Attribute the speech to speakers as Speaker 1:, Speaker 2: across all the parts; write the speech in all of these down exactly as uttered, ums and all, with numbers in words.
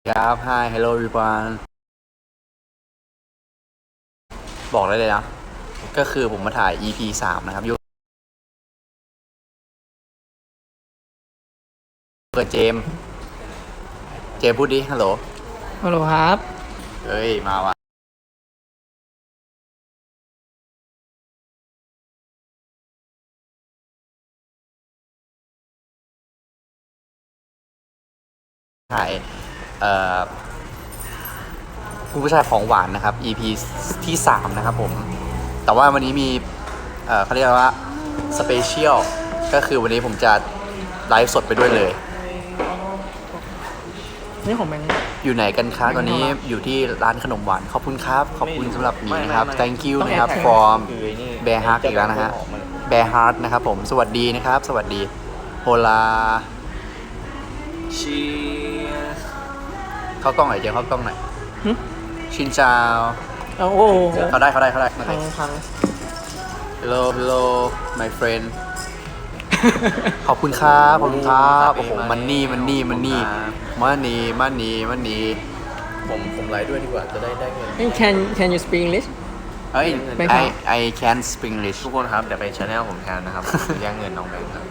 Speaker 1: ครับ Hi Hello everyone บอกได้เลยนะ ก็คือผมมาถ่าย อี พี สามนะครับอยู่เปิดเจม เจมพูดดิ ฮัลโหล
Speaker 2: ฮัลโหลครับ
Speaker 1: เฮ้ย มาว่ะถ่าย เอ่อคุณผู้ชายของหวานนะครับ อี พี ที่สามนะครับผม แต่ว่าวันนี้มี เอ่อเขาเรียกว่าสเปเชียล ก็คือวันนี้ผมจะไลฟ์สดไปด้วยเลย
Speaker 2: นี่ของแบงค์
Speaker 1: อยู่ไหนกันคะตอนนี้อยู่ที่ร้านขนมหวาน ขอบคุณครับ ขอบคุณสำหรับหมีนะครับ thank you นะครับ from bear heart อีกแล้วนะฮะ bear heart นะครับผม สวัสดีนะครับ สวัสดีโฮลา
Speaker 3: ชีส
Speaker 1: เข้ากล้องหน่อยเดี๋ยวเข้ากล้องหน่อยชินจาว
Speaker 2: เอาโอ้โห
Speaker 1: เขาได้เขาได้เขาได้
Speaker 2: พังพัง
Speaker 1: hello hello my friend ขอบคุณครับขอบคุณครับโอ้โหมันนี่มันนี่มันนี่มันนี่มันนี่มันนี่ผมผมไลฟ์ด้วยดีกว่าจะได้ได้เงิน
Speaker 2: can can you speak English
Speaker 1: เอ้ย
Speaker 2: ไม่ครับ
Speaker 1: I I can speak English
Speaker 3: ทุกคนครับ เดี๋ยวไปชาแนลผมแทนนะครับ แย่งเงินน้องแบงค์ครับ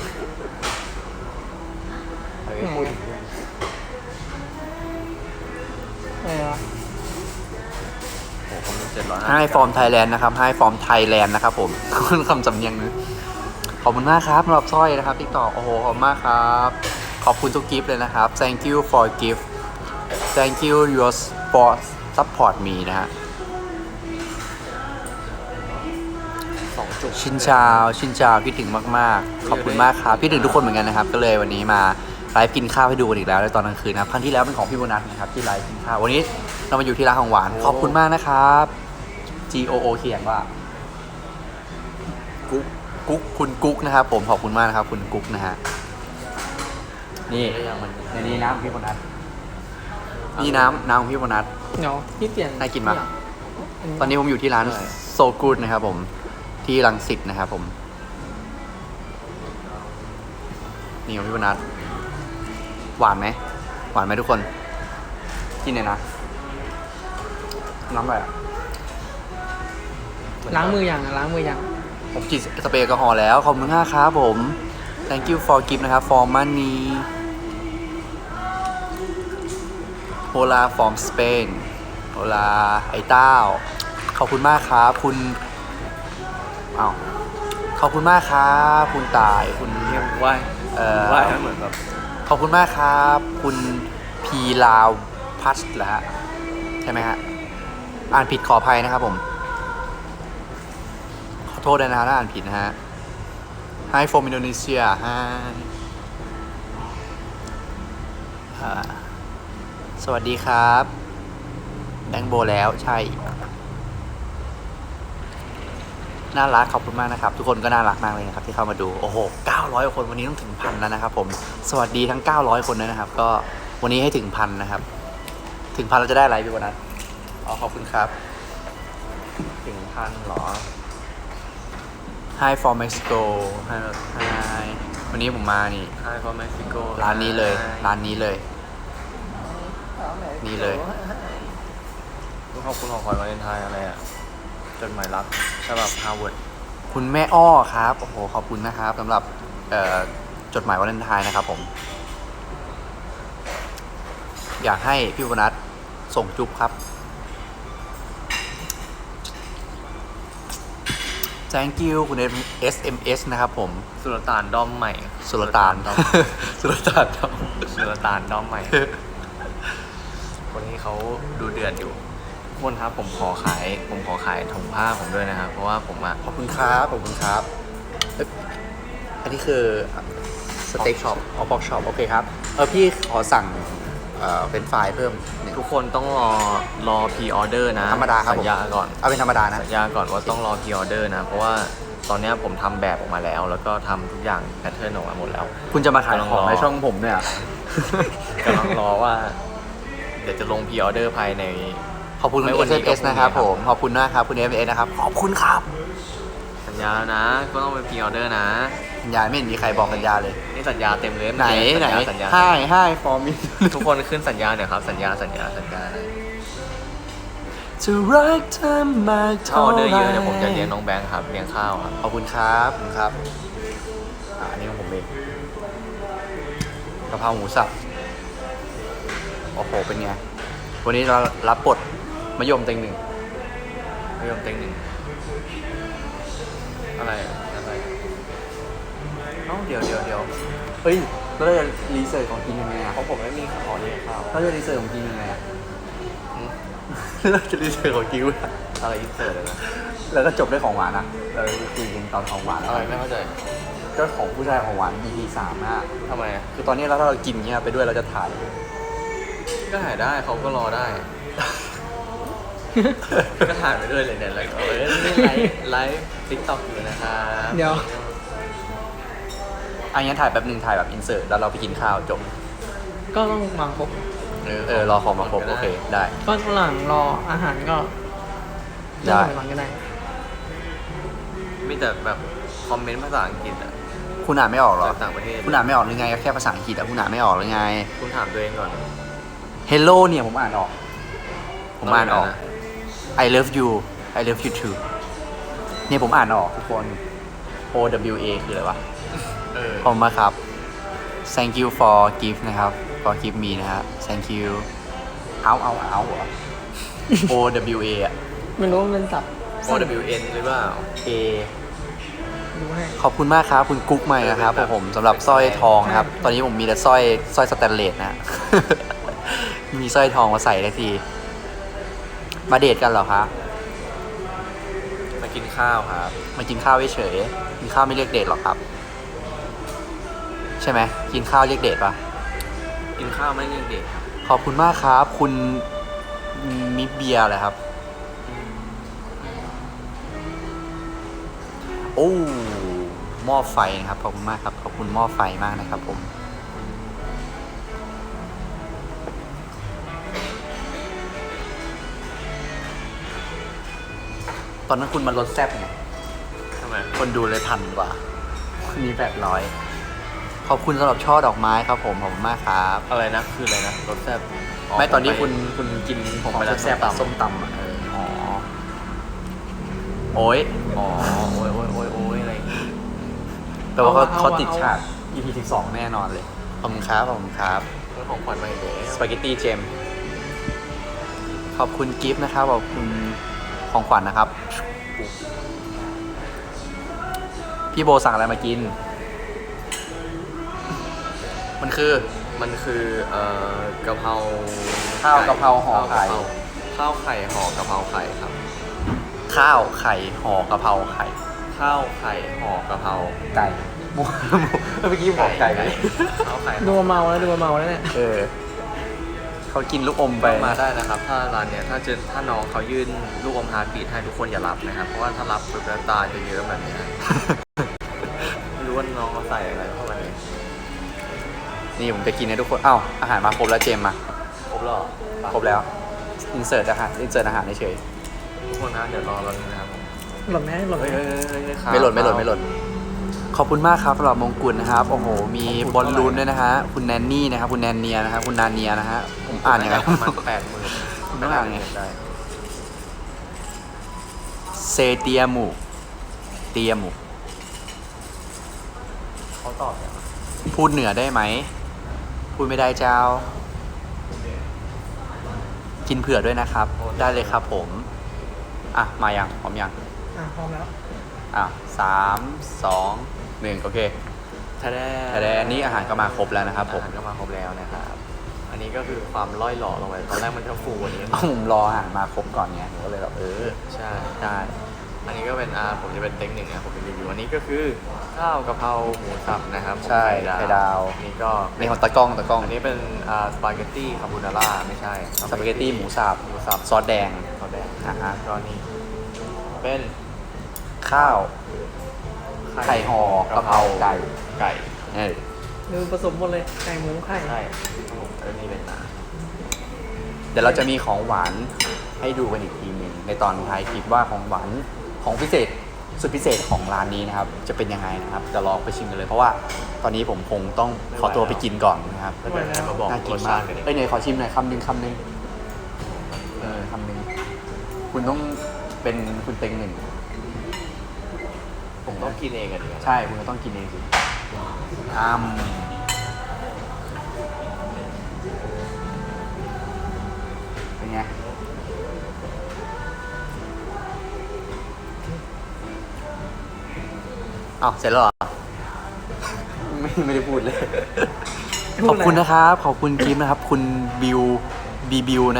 Speaker 2: อะไรวะ
Speaker 3: โอ้โหคนดูเจ็ดร้อย
Speaker 1: ให้ฟอร์มไทยแลนด์นะครับให้ฟอร์มไทยแลนด์นะครับผม คุณคำสำเนียงนึงขอบคุณมากครับสำหรับสร้อยนะครับติ๊กต็อกโอ้โหขอบคุณมากครับ ขอบคุณทุกกิฟต์เลยนะครับ thank you for gift thank you your for support me นะฮะ
Speaker 3: สองจุด
Speaker 1: ชินชาวชินชาวคิดถึงมากๆ ขอบคุณมากครับคิดถึงทุกคนเหมือนกันนะครับ ก็เลยวันนี้มาไลฟ์กินข้าวให้ดูกันอีกแล้วในตอนกลางคืนนะครับครั้งที่แล้วเป็นของพี่โบนัสนะครับที่ไลฟ์กินข้าววันนี้เรามาอยู่ที่ร้านของหวานขอบคุณมากนะครับ G O O เขียนว่ากุ๊กกุ๊กคุณกุ๊กนะครับผมขอบคุณมากนะครับคุณกุ๊กนะฮะนี่ในนี้น้ำพี่โบนัสนี่น้ำน้ำของพี่โบนัส
Speaker 2: เดี๋ยวพี่เปลี่ยน
Speaker 1: น่ากินปะ ตอนนี้ผมอยู่ที่ร้านโซกูดนะครับผมที่รังสิตนะครับผมนี่ของพี่โบนัสหวานไหมหวานไหมทุกคนกินเลยนะน้ำอะไรอ่ะ
Speaker 2: ล้างมือยังล้างมือยัง
Speaker 1: ผมฉีดสเปรย์แอลกอฮอล์แล้วขอบคุณมากครับผม thank you for gift นะครับ for money hola from Spain hola ไอ้เต้าขอบคุณมากครับคุณอ้าวขอบคุณมากครับคุณตายคุณ
Speaker 3: เรียกว่า
Speaker 1: เอ่อ
Speaker 3: ว่าเหมือนแบบ
Speaker 1: ขอบคุณมากครับ คุณพีลาวพัชเหรอฮะใช่ไหมฮะอ่านผิดขออภัยนะครับผม ขอโทษด้วยนะฮะถ้าอ่านผิดนะฮะ Hi from Indonesia Hi อ่าสวัสดีครับแบงค์โบแล้วใช่ น่ารักขอบคุณมากนะครับ ทุกคนก็น่ารักมากเลยนะครับที่เข้ามาดูโอ้โหเก้าร้อยคนวันนี้ต้องถึงพันแล้วนะครับผมสวัสดีทั้งเก้าร้อยคนด้วยนะครับก็วันนี้ให้ถึงพันนะครับถึงพันเราจะได้อะไรพี่วันนั้นอ๋อขอบคุณครับ
Speaker 3: ถึงพันเหรอ
Speaker 1: Hi from Mexico Hi Hi วันนี้ผมมานี่
Speaker 3: Hi from Mexico
Speaker 1: ร้านนี้เลยร้านนี้เลย นี่เลย
Speaker 3: ขอบคุณของขวัญวาเลนไทน์อะไรอ่ะจดหมายรักฉบับฮาร์วาร์ด
Speaker 1: คุณแม่อ้อครับโอ้โหขอบคุณนะครับสำหรับเอ่อจดหมายวาเลนไทน์นะครับผมอยากให้พี่วนัทส่งจุ๊บครับ thank you คุณ เอส เอ็ม เอส นะครับผม
Speaker 3: สุลต่านดอมใหม่
Speaker 1: สุลต่าน
Speaker 3: ดอม
Speaker 1: สุลต่านครับ
Speaker 3: สุลต่านดอมใหม่ คนนี้เขาดูเดือดอยู่ทุกคนครับผมขอขายผมขอขายถุงผ้าผมด้วยนะครับเพราะว่าผมอะ
Speaker 1: ขอบคุณครับขอบคุณครับเอ้ยอันนี้คือสเต็กช็อปออฟบ็อกช็อปโอเคครับเออพี่ขอสั่งเอ่อเป็นไฟล์เพิ่มหนึ่ง
Speaker 3: ทุกคนต้องรอรอพรีออเดอร์นะ
Speaker 1: ธรรมดาครับผม
Speaker 3: สัญญาก่อน
Speaker 1: เอาเป็นธรรมดานะ
Speaker 3: สัญญาก่อนว่าต้องรอพรีออเดอร์นะเพราะว่าตอนเนี้ยผมทำแบบออกมาแล้ว แล้วก็ทำทุกอย่างแพทเทิร์นออกมาหมดแล้ว
Speaker 1: คุณจะมาขายของ
Speaker 3: กำลังรอ
Speaker 1: ในช่องผมเนี่ย
Speaker 3: กำลังรอว่า เดี๋ยวจะลงพรีออเดอร์ภายใน
Speaker 1: ขอบคุณคุณ
Speaker 3: ไม่
Speaker 1: เอ
Speaker 3: วัน
Speaker 1: ส
Speaker 3: นี้
Speaker 1: เอส
Speaker 3: ก็พรุ่งนี้
Speaker 1: นะครับ
Speaker 3: ครับ
Speaker 1: ผมขอบคุณมากครับคุณเอสเอสนะครับขอบคุณครับ
Speaker 3: สัญญญานะ ก็ต้องเป็นพรีออเดอร์นะ
Speaker 1: สัญญาไม่เห็นมีใครบอกสัญญาเลย
Speaker 3: นี่สัญญาเต็มเลย
Speaker 1: ไหนไหน
Speaker 3: สัญญา
Speaker 1: ให้ให้ฟอร์มิ
Speaker 3: ทุกคนขึ้นสัญญาเนี่ยครับ สัญญาสัญญาสัญญา
Speaker 1: จะรักเธอมาก
Speaker 3: ถ้าอ
Speaker 1: เท่า
Speaker 3: อเดอร์
Speaker 1: ไห
Speaker 3: เย
Speaker 1: ร่
Speaker 3: อะเดี๋ยวผมจะเลี้ยงน้องแบงค์ครับเลี้ยงข้าวครับ
Speaker 1: ขอบคุณครับขอบคุณครับอ่าอันนี้ของผมเองกะเพราหมูสับโอ้โหเป็นไงวันนี้เรารับบทมะยมเต็งหนึ่ง
Speaker 3: ไม่ยอมเต็งหนึ่งอะไรอะไรเอ้าเดี๋ยวเดี๋ยวเดี๋ยว
Speaker 1: เฮ้ยเราจะรีเสิร์ชของกินยังไงอ่ะ
Speaker 3: เพราะผมไม่มีขอเลี้ยงข้าว
Speaker 1: เราจะรีเสิร์ชของกินยังไงอ่ะ
Speaker 3: อืม
Speaker 1: เราจะรีเสิร์ชของกินด้วย
Speaker 3: อะไรอินเสิร์ตเลยนะ
Speaker 1: แล้วก็จบด้วยของหวานนะเราจะคุยกันตอนของหวานแล้ว
Speaker 3: อะไรไม่เข้าใจ
Speaker 1: ก็ของผู้ชายของหวาน อี พี สามนะ
Speaker 3: ทำไมอะ
Speaker 1: คือตอนนี้เราถ้าเรากินเงี้ยไปด้วยเราจะถ่าย
Speaker 3: ก็ถ่ายได้เขาก็รอได้ ก็ถ่ายไปด้วยเลยเนี่ยแล้วก็เออนี่ไลฟ์ไลฟ์ติ๊กต็อกอยู่นะครับ
Speaker 2: เดี๋ยว
Speaker 1: อันนี้ถ่ายแป๊บหนึงถ่ายแบบอินเสิร์ตแล้วเราไปกินข้าวจบ
Speaker 2: ก็ต้องวางครบ
Speaker 1: เออรอของมาครบโอเคได้
Speaker 2: ก็หลังรออาหารก็
Speaker 1: ได้
Speaker 2: เรื่องหลังก็ได้
Speaker 3: มีแต่แบบคอมเมนต์ภาษาอังกฤษอะ
Speaker 1: คุณอ่านไม่ออกเหรอ
Speaker 3: จากต่างประเทศ
Speaker 1: คุณอ่านไม่ออกหรือไงก็แค่ภาษาอังกฤษอะคุณอ่านไม่ออกหรือไง
Speaker 3: คุณถามตัวเองก่อน
Speaker 1: Hello เนี่ยผมอ่านออก ผมอ่านออก
Speaker 3: นะ
Speaker 1: I love you I love you too เนี่ยผมอ่านออกทุกคน O W A คืออะไรวะ
Speaker 3: เออ
Speaker 1: ขอบคุณมากครับ thank you for gift นะครับ for gift me นะฮะ thank you เอาเอาเอาเหรอ O W A อะ
Speaker 2: ไม่รู้ว่ามันสับ
Speaker 3: โอ W N หรือเปล่า
Speaker 1: A
Speaker 2: ดูให้
Speaker 1: ขอบคุณมากครับ คุณกุ๊กใหม่นะครับ
Speaker 3: แบบ
Speaker 1: ผมสำหรับสร้อยทองนะครับ
Speaker 2: ใช่
Speaker 1: ตอนนี้ผมมีแต่สร้อยสร้อยสแตนเลสนะ มีสร้อยทองมาใส่ได้ที มาเดทกันเหรอคะ
Speaker 3: มากินข้าวครับ
Speaker 1: มากินข้าวเฉยๆกินข้าวไม่เรียกเดทหรอกครับ ใช่ไหมกินข้าวเรียกเดทปะ
Speaker 3: กินข้าวไม่เรียกเด็กครับ
Speaker 1: ขอบคุณมากครับ คุณมิเบียร์เลยครับ โอ้หม้อไฟนะครับขอบคุณมากครับขอบคุณหม้อไฟมากนะครับผม ตอนนั้นคุณมาลดแซ่บไง
Speaker 3: ทำไม
Speaker 1: คนดูเลยพันกว่ามีแปดร้อยขอบคุณสำหรับช่อดอกไม้ครับผมขอบคุณมากครับ
Speaker 3: อะไรนะคืออะไรนะรสแซ่บ
Speaker 1: ไม่ตอนนี้
Speaker 3: ผ
Speaker 1: คุณ
Speaker 3: ไป
Speaker 1: คุณกิน
Speaker 3: ผมไป
Speaker 1: ของ
Speaker 3: ร้าน
Speaker 1: แซ่บๆอะ
Speaker 3: ส้
Speaker 1: ส้ม
Speaker 3: ม
Speaker 1: ตำ
Speaker 3: ตำ
Speaker 1: อะเอออ๋อโอ้ย
Speaker 3: อ๋อโอ้ยโอ้ยโอ้ยโอ้ยอะไรอย่างงี้
Speaker 1: แปลว่าเขา
Speaker 2: เอา
Speaker 1: เขา
Speaker 2: เอา
Speaker 1: ติดฉาก อี พี สิบสองแน่นอนเลยขอบคุณครับขอบคุณครับ
Speaker 3: เรื่องของขวัญมาอีกแล้ว
Speaker 1: สปาเกตตี้เจมขอบคุณกิฟต์นะครับขอบคุณของขวัญนะครับ พี่โบสั่งอะไรมากิน มันคือ
Speaker 3: มันคือเอ่อกะเพรา
Speaker 1: ข้าวกะเพราห่อไข่
Speaker 3: ข้าวไข่ห่อกะเพราไข่ครับ
Speaker 1: ข้าวไข่ห่อกะเพราไข่
Speaker 3: ข้าวไข่ห่อกะเพรา
Speaker 1: ไก่หมูหมูเมื่อกี้บอกไก่ไหม
Speaker 3: ข้าวไข่
Speaker 2: ดูมาเมาแล้วดูมาเมาแล้วเนี่ย
Speaker 1: เออเขากินลูกอมไป
Speaker 3: มาได้นะครับ ถ้าร้านเนี้ยถ้าเจอถ้าน้องเขายื่นลูกอมฮาร์ดบีทให้ทุกคนอย่ารับนะครับ เพราะว่าถ้ารับปุ๊บแล้วตาจะเยอะแบบเนี้ย ไม่รู้ว่าน้องเขาใส่อะไรเข้ามาเนี่ย
Speaker 1: นี่ผมจะกินให้ทุกคนอ้าวอาหารมาครบแล้วเจมส์มา
Speaker 3: ครบแล้วเหรอ
Speaker 1: ครบแล้วอินเสิร์ตอาหารอินเสิร์ตอาหารเฉย
Speaker 3: ทุกคนนะเดี๋ยวรอเราดูนะครับผม
Speaker 2: หล่นไหมหล่นไหม
Speaker 3: เฮ้ยเฮ้ยเฮ้ยเฮ้ยครับ
Speaker 1: ไม่หล่นไม่หล่นไม่หล่นขอบคุณมากครับสำหรับมงกุฎนะครับโอ้โหมีบอลลูนด้วยนะฮะคุณแนนนี่นะครับคุณแนนเนียนะครับคุณนาเนียนะฮะผมอ่านยังไง
Speaker 3: ประมาณแปดหมื่น
Speaker 1: คุณต้องอ่านไง
Speaker 3: ได้
Speaker 1: เซเตียมูเตียมู
Speaker 3: เขาตอบเนี่ย
Speaker 1: พูดเหนือได้ไหม พูดไม่ได้เจ้า กินเผื่อด้วยนะครับ ได้เลยครับผม อ่ะ มายังพร้อมยัง
Speaker 2: อ่ะพร้อมแล้ว
Speaker 1: อ่ะสามสองหนึ่งโอเค
Speaker 3: ถ้าได้
Speaker 1: แต่แดนนี้อาหารก็มาครบแล้วนะครับผม
Speaker 3: อาหารก็มาครบแล้วนะครับ อันนี้ก็คือความร่อยหล่อลงไปตอนแรกมันจะฟูกว่านี้
Speaker 1: เอาผมรออาหารมาครบก่อนไงผมก็เลยแบบเออ
Speaker 3: ใช่
Speaker 1: ได้
Speaker 3: อันนี้ก็เป็นอาผมจะเป็นเต็งหนึ่งนะผมเป็นรีวิวอันนี้ก็คือข้าวกะเพราหมูสับนะครับ
Speaker 1: ใช่
Speaker 3: ของ
Speaker 1: ไข่ดาว
Speaker 3: อันนี้ก็
Speaker 1: ในของตะกล้องตะกล้อง
Speaker 3: อันนี้เป็นอ่าสปาเกตตี้คาโบนาร่าไม่ใช่
Speaker 1: สปาเกตตี้หมูสับ
Speaker 3: หมูสับ
Speaker 1: ซอสแดง
Speaker 3: ซอสแดง
Speaker 1: อ่าฮะ
Speaker 3: ก็นี่เป็น
Speaker 1: ข้าวไข่ห่อกะเพราไก่
Speaker 3: ไก่
Speaker 1: เออ
Speaker 2: ดูผสมหมดเลยไก่หมูไข่
Speaker 3: ใช่ผมเออนี่เป็นนา
Speaker 1: เดี๋ยวเราจะมีของหวานให้ดูกันอีกทีหนึงในตอนท้ายคลิปว่าของหวานของพิเศษสุดพิเศษของร้านนี้นะครับ จะเป็นยังไงนะครับจะลองไปชิมกันเลยเพราะว่าตอนนี้ผมคงต้องขอตัวไปกินก่อนนะครับ
Speaker 3: แล้วเดี๋ยวให้มาบอก
Speaker 1: น่ากิ
Speaker 3: ร
Speaker 1: น
Speaker 3: ส
Speaker 1: มา
Speaker 3: ชาก ติกันอีก
Speaker 1: เอ้ยไหนขอชิมหน่อยคำหนึ่งคำหนึ่งเออคำหนึ่งคุณต้องเป็นคุณเต็งหนึ่ง
Speaker 3: ผมต้องกินเองอ่ะดิ
Speaker 1: ใช่คุณก็ต้องกินเองสิอ้ามเป็นไงอ้าวเสร็จแล้วเหรอ ไม่ไม่ได้พูดเลย ขอบคุณนะครับ ขอบคุณกิฟต์นะครับ คุณบิวบีบิว